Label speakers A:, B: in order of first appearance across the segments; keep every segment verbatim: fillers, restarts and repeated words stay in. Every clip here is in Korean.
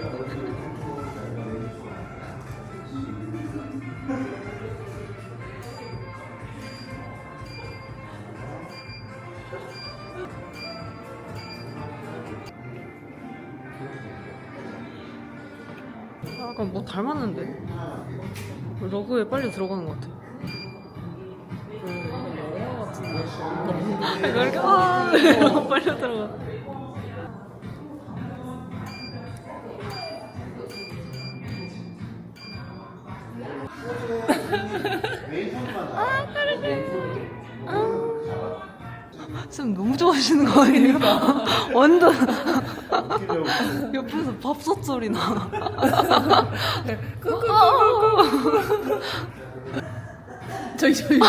A: 약간 뭐 닮았는데? 러그에 빨리 들어가는 것 같아. 왜 이렇게 아 빨리 들어가. 아 빠르네. 쌤 너무 좋아하시는 거 아니에요? 완전 옆에서 밥솥 소리 나.
B: 저기 저기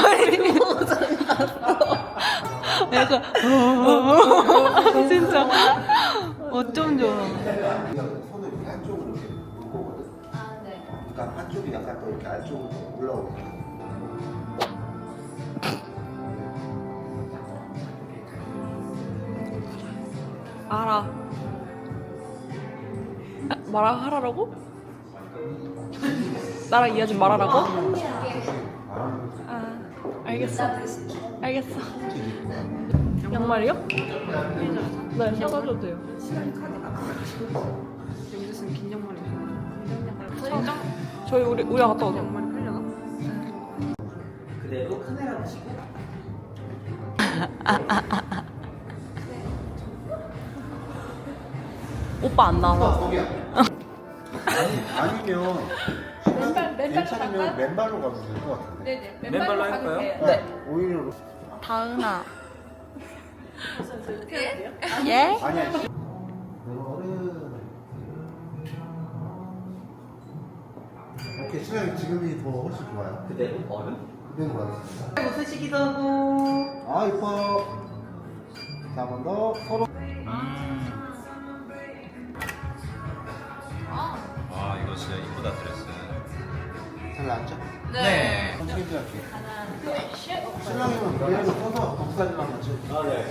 A: 약간 진짜 어쩜 좋아.
C: 손을 이렇게 한쪽으로 이렇게 놓거든.
B: 아, 네.
C: 그러니까 한쪽이 약간 더 이렇게 안쪽으로 올라오고.
A: 알아. 말아 하라라고? 나랑 이해하지 말아라고? 아, 알겠어. 알겠어. 양말이요? 네, 사가줘도 돼요. 여기서 쓰는 긴 양말이 사장? 저희 우리 우리 갔다 오자. 양말이 팔려나?
D: 그대로 카메라 보시고
A: 오빠 안 나와.
C: 거기야. 아니, 아니면
B: 맨발- 맨발로
C: 괜찮으면
B: 갈까요?
C: 맨발로 가도 될 것 같은데.
B: 네네.
D: 맨발로 할까요?
B: 네.
C: 오히려
A: 다은아.
B: 예?
A: 예?
C: 아니야. 이거는 오케이 신랑이 지금이 더 훨씬 좋아요.
D: 그대로 얼음
C: 그대로 가겠습니다.
D: 웃으시기도 하고
C: 아 이뻐. 자 한 번 더 서로.
E: 아 이거 진짜 이쁘다 드레스.
C: 잘 나왔죠?
D: 네.
C: 천천히 할게. 신랑이면 그대로 서서 독사진랑 같이.
D: 아 네.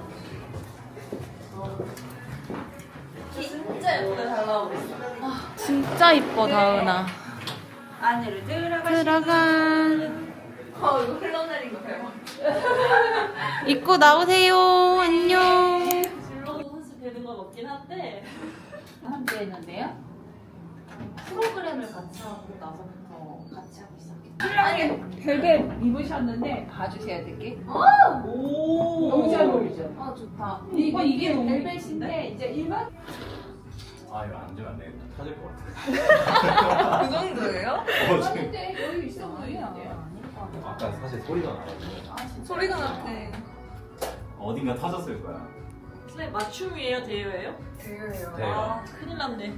B: 진짜 예쁘게 잘 나오고 있어.
A: 진짜 이뻐 다은아.
B: 안으로 들어가.
A: 들어가.
B: 어, 이거 흘러내린 거 대박.
A: 입고 나오세요. 안녕.
F: 블로그 사실 되는 건 없긴 한데
B: 함께 했는데요?
F: 프로그램을 같이 하고 나서부터 같이 하기 시작했어요.
B: 신랑이 벨벳 입으셨는데 봐주셔야 될 게.
F: 오
B: 너무 잘 어울리죠?
F: 아 좋다.
B: 이거 이게 벨벳인데 이제 일반
E: 아 이거 안 주면 안 되겠다. 터질 것 같아.
F: 그 정도예요?
E: 어, 지금
B: 근데 여유 있어 보이는데요?
E: 아까 사실 소리가 나가지고
F: 소리가 났대.
E: 어딘가 터졌을 거야.
F: 선생님 맞춤이에요? 대여예요?
B: 대여예요.
E: 대여.
F: 아 큰일 났네.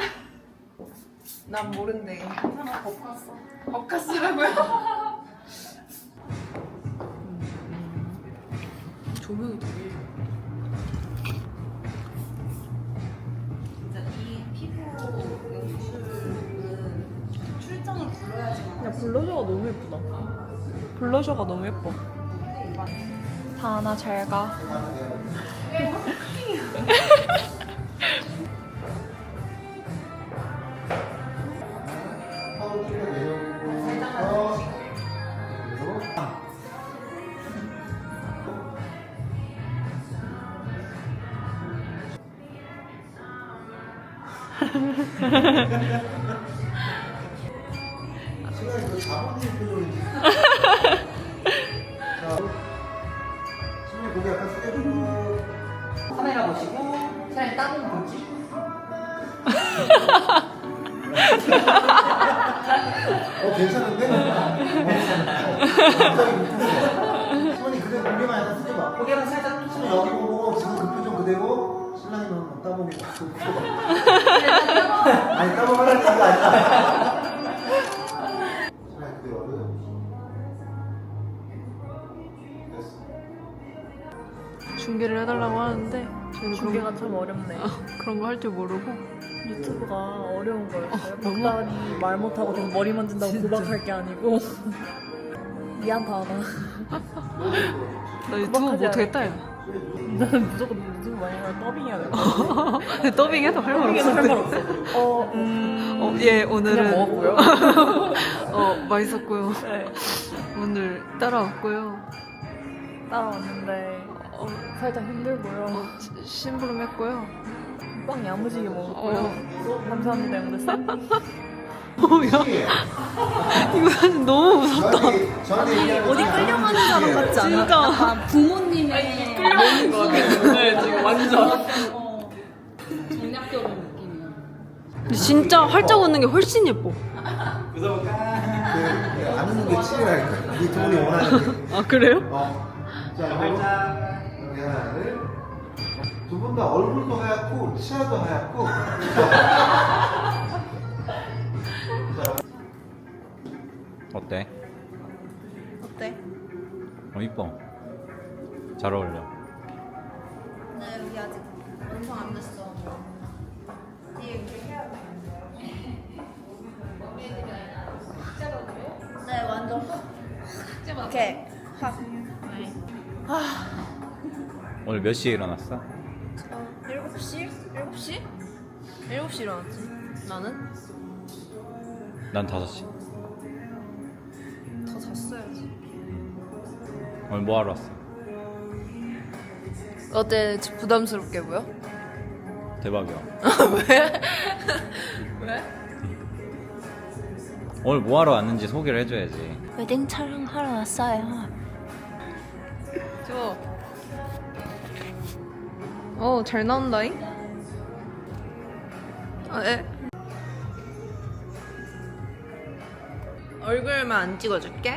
B: 난 모른대.
F: 하나 더 봤어.
B: 버카스라고요?
A: 조명이 되게.
F: 진짜 이 피부 연출은 출장을 불러야지만.
A: 야 블러셔가 너무 예쁘다. 블러셔가 너무 예뻐. 다은아 잘 가.
C: 서로 좀 내려오고. 그래서 신랑이 그 자본주의 표정인지. 자, 신랑이 고개 약간 숙여주고.
D: 카메라 보시고 사장님 따봉 보지
C: 어 괜찮은데? 갑자기 못했어. 시원이 그대로 고개만 약간 숙여봐.
D: 고개만 살짝
C: 신랑 여기 보고 지금 그 표정 그대로 신랑이는 뭐 따보기 막 아니 따보라는 얘기가 아니라 신랑이 그대로 됐어.
A: 중계를 해달라고 하는데 저희는
G: 중계가
A: 그런,
G: 참 어렵네.
A: 그런 거 할 줄 모르고.
G: 유튜브가 어려운 거였어요.
A: 너무-
G: 박다은이 말 못하고 좀 머리 만진다고 구박할 게 아니고 미안 다은아.
A: 나 유튜브
G: 구박하지
A: 못하겠다 야.
G: 나는 무조건 무슨 말이야 더빙해야 돼.
A: 더빙해도 할 말
G: 더빙해도 할 말
A: 없어.
G: 없어. 어, 음.
A: 어, 예, 오늘은
G: 그냥 먹었고요.
A: 어, 맛있었고요.
G: 네.
A: 오늘 따라왔고요.
G: 따라왔는데
A: 어,
G: 살짝 힘들고요.
A: 시- 심부름했고요.
G: 빵 야무지게 먹었고요.
A: 어,
G: 감사합니다, 영대쌤.
A: 어, 야, 이거 사진 너무 무섭다.
C: 저한테 저한테 얘기하는
B: 어디
C: 거잖아.
B: 끌려가는 사람 같지 않아?
A: 진짜.
B: 약간 부모님의
G: 끌려가는 거 같아. 네, 지금 완전.
B: 정략결혼 느낌이야.
A: 근데 진짜 활짝 웃는 게 훨씬 예뻐.
C: 그, 안 웃는 게 칠이라니까. 이 돈이 원하는 게.
A: 아, 그래요?
C: 어. 자, 활짝. 여기 하나를. 두 분 다 얼굴도 하얗고 치아도 하얗고.
E: 어때?
B: 어때?
E: 어 이뻐. 잘 어울려.
B: 네, 여기 아직 완성 안 됐어. 뒤에 이렇게 해야 돼. 네, 완전 확. 이렇게 확.
E: 오늘 몇 시에 일어났어?
B: 일곱 시? 일곱 시? 일곱 시 일어났지. 나는?
E: 난 다섯 시.
B: 더 잤어야지.
E: 오늘 뭐 하러 왔어?
B: 어때? 부담스럽게 보여?
E: 대박이야.
B: 왜? 왜?
E: 오늘 뭐 하러 왔는지 소개를 해줘야지.
B: 웨딩 촬영하러 왔어요.
A: 저. 어, 잘 나온다잉? 아, 에? 얼굴만 안 찍어줄게.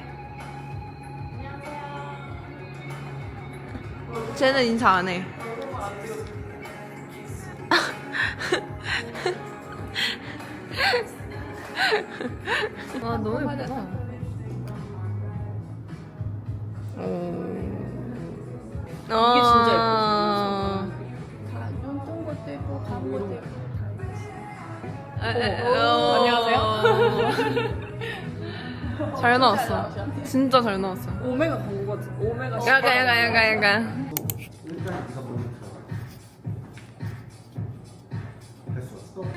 A: 쟤는 인사 안 해. 아, 너무 예쁘다. 이게
B: 진짜
A: 예뻐.
B: 눈뜬 것도 있고 간 것도 있고.
A: 안녕하세요. 잘 나왔어. 진짜 잘 나왔어.
G: 오메가 광고 같은. 오메가
A: 약간 약간 약간 약간.
C: 일단 네가 먼저 들어가. 됐어. 스톱.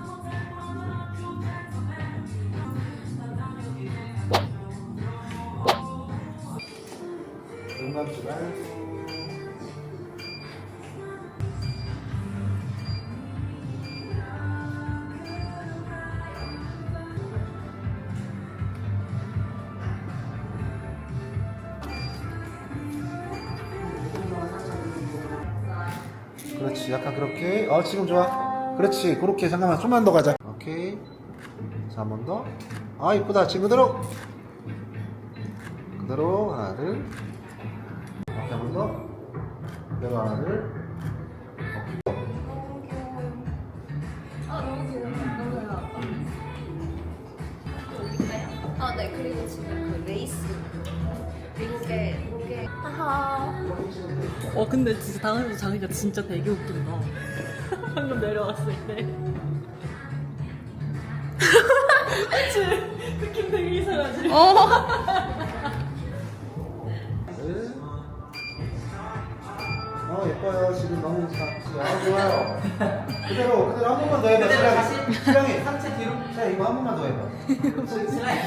C: 음악 주간. 그렇지, 약간 그렇게. 어, 지금 좋아. 그렇지, 그렇게. 잠깐만, 좀만 더 가자. 오케이. 자, 한 번 더. 아, 이쁘다. 지금 그대로. 그대로 하나를. 이렇게 한 번 더. 그대로 하나를.
B: 아, 네. 그리고 진짜 그 레이스. 이게 이게 하하.
G: 어 근데 진짜 당연히 자기가 진짜 되게 웃긴다. 방금 내려왔을 때. 그치? 느낌 되게 이상하지?
A: 어.
C: 어, 예뻐요. 지금 너무 작지. 아, 좋아요. 그대로, 그대로 한 번만 더 해봐. 신랑이. 신랑이.
D: 상체 뒤로.
C: 자, 이거 한 번만 더 해봐.
D: 슬라이드.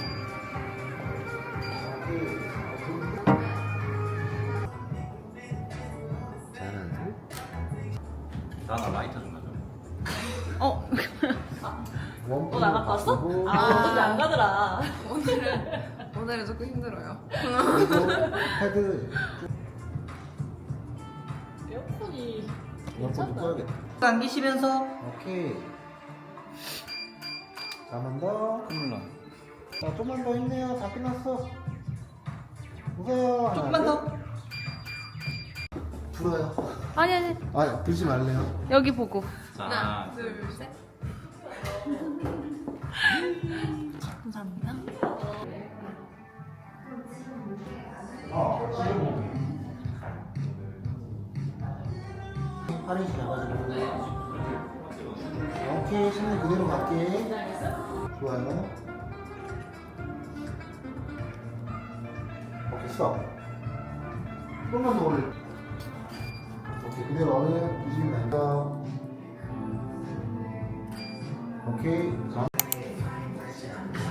C: 잘하네.
E: 나나 라이터 좀 가져.
A: 어.
C: 또
G: 나갔다 왔어? 아, 근데 안 가더라.
A: 오늘은 조금 힘들어요.
C: 그리고 헤드
G: 에어컨이
C: 이어폰도 꺼야겠다.
D: 당기시면서
C: 오케이. 자, 한 번 더.
E: 콧물 나.
C: 자, 좀만 더 힘내요. 다 끝났어. 웃어요.
D: 조금만 더.
C: 불어요.
A: 아니 아니
C: 아, 불지 말래요.
A: 여기 보고.
E: 자,
B: 감사합니다.
C: 어, 지금 팔이 지나가지고. 오케이, 신는 그대로 갈게. 좋아요. 오케이, 스톱. 조금만 더 올려. 오케이, 그대로 어른 뒤집으면 된다. 오케이. 자.